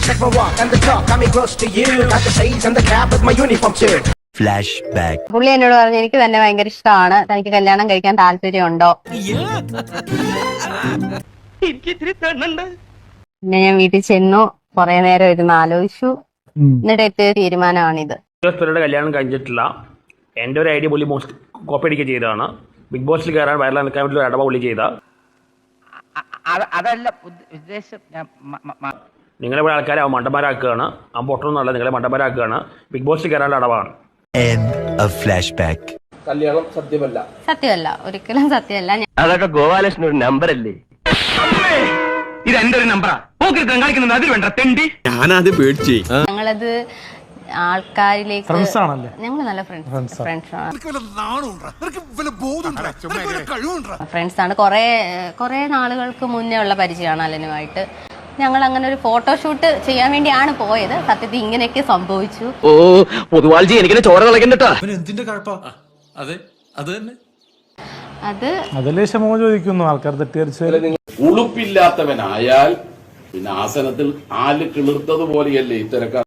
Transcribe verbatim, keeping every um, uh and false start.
Check my walk and the talk, got me close to you. Got the shades and the cap with my uniform too. Flash back. പുള്ളി എന്നോട് പറഞ്ഞു എനിക്ക് തന്നെ ഭയങ്കര ഇഷ്ടമാണ്, തനിക്ക് കല്യാണം കഴിക്കാൻ താല്പര്യമുണ്ടോ? പിന്നെ ഞാൻ വീട്ടിൽ ചെന്നു, കുറെ നേരം ഇരുന്ന് ആലോചിച്ചു, എന്നിട്ട് എത്തിയ തീരുമാനമാണിത്. കല്യാണം കഴിഞ്ഞിട്ടില്ല. എന്റെ ഒരു ഐഡിയ പുള്ളി മോസ്റ്റ് കോപ്പി അടിക്കുക ചെയ്തതാണ്. ബിഗ് ബോസിൽ കയറാൻ വയറിൽ നിൽക്കാൻ വേണ്ടി ഒരു അടവ പുള്ളി ചെയ്ത. അതല്ല ഉദ്ദേശം. നിങ്ങളെ ഇവിടെ ആൾക്കാരെ അവൻ മണ്ടന്മാരാക്കുകയാണ്. അവൻ പൊട്ടണമെന്നല്ല, നിങ്ങളെ മണ്ടന്മാരാക്കുകയാണ്. ബിഗ് ബോസിൽ കയറാനുള്ള അടവാണ്. കല്യാണം സത്യമല്ല. സത്യമല്ല, ഒരിക്കലും സത്യമല്ല. അതൊക്കെ ഗോപാലകൃഷ്ണൻ ഒരു നമ്പർ അല്ലേ? ഇത് എന്റെ ഒരു നമ്പറാ. കാണിക്കുന്നത് അതിൽ വേണ്ട തെണ്ടി. ഞാനത് പേടിച്ചേ. ഞങ്ങളത് ആൾക്കാരിലേക്ക് ഞങ്ങൾ നല്ല ഫ്രണ്ട്സ് ഫ്രണ്ട്സ് ആണ്. കുറെ കുറെ നാളുകൾക്ക് മുന്നേ ഉള്ള പരിചയമാണ് അലനുമായിട്ട്. ഞങ്ങൾ അങ്ങനെ ഒരു ഫോട്ടോഷൂട്ട് ചെയ്യാൻ വേണ്ടിയാണ് പോയത്. സത്യത്തിൽ ഇങ്ങനെയൊക്കെ സംഭവിച്ചു. ഓ പൊതുവാൾജി എനിക്കിനെ ചോര കളക്കണ്ടട്ടാ. അതെ അത് തന്നെ. അത് അതിലേ ക്ഷമ ചോദിക്കുന്നു ആൾക്കാർ തെറ്റിദ്ധരിച്ചു. ഉളുപ്പില്ലാത്തവനായാൽ പിന്നെ ആസനത്തിൽ ആല് കിളിർത്തതുപോലെയല്ലേ ഇത്തരക്കാർ.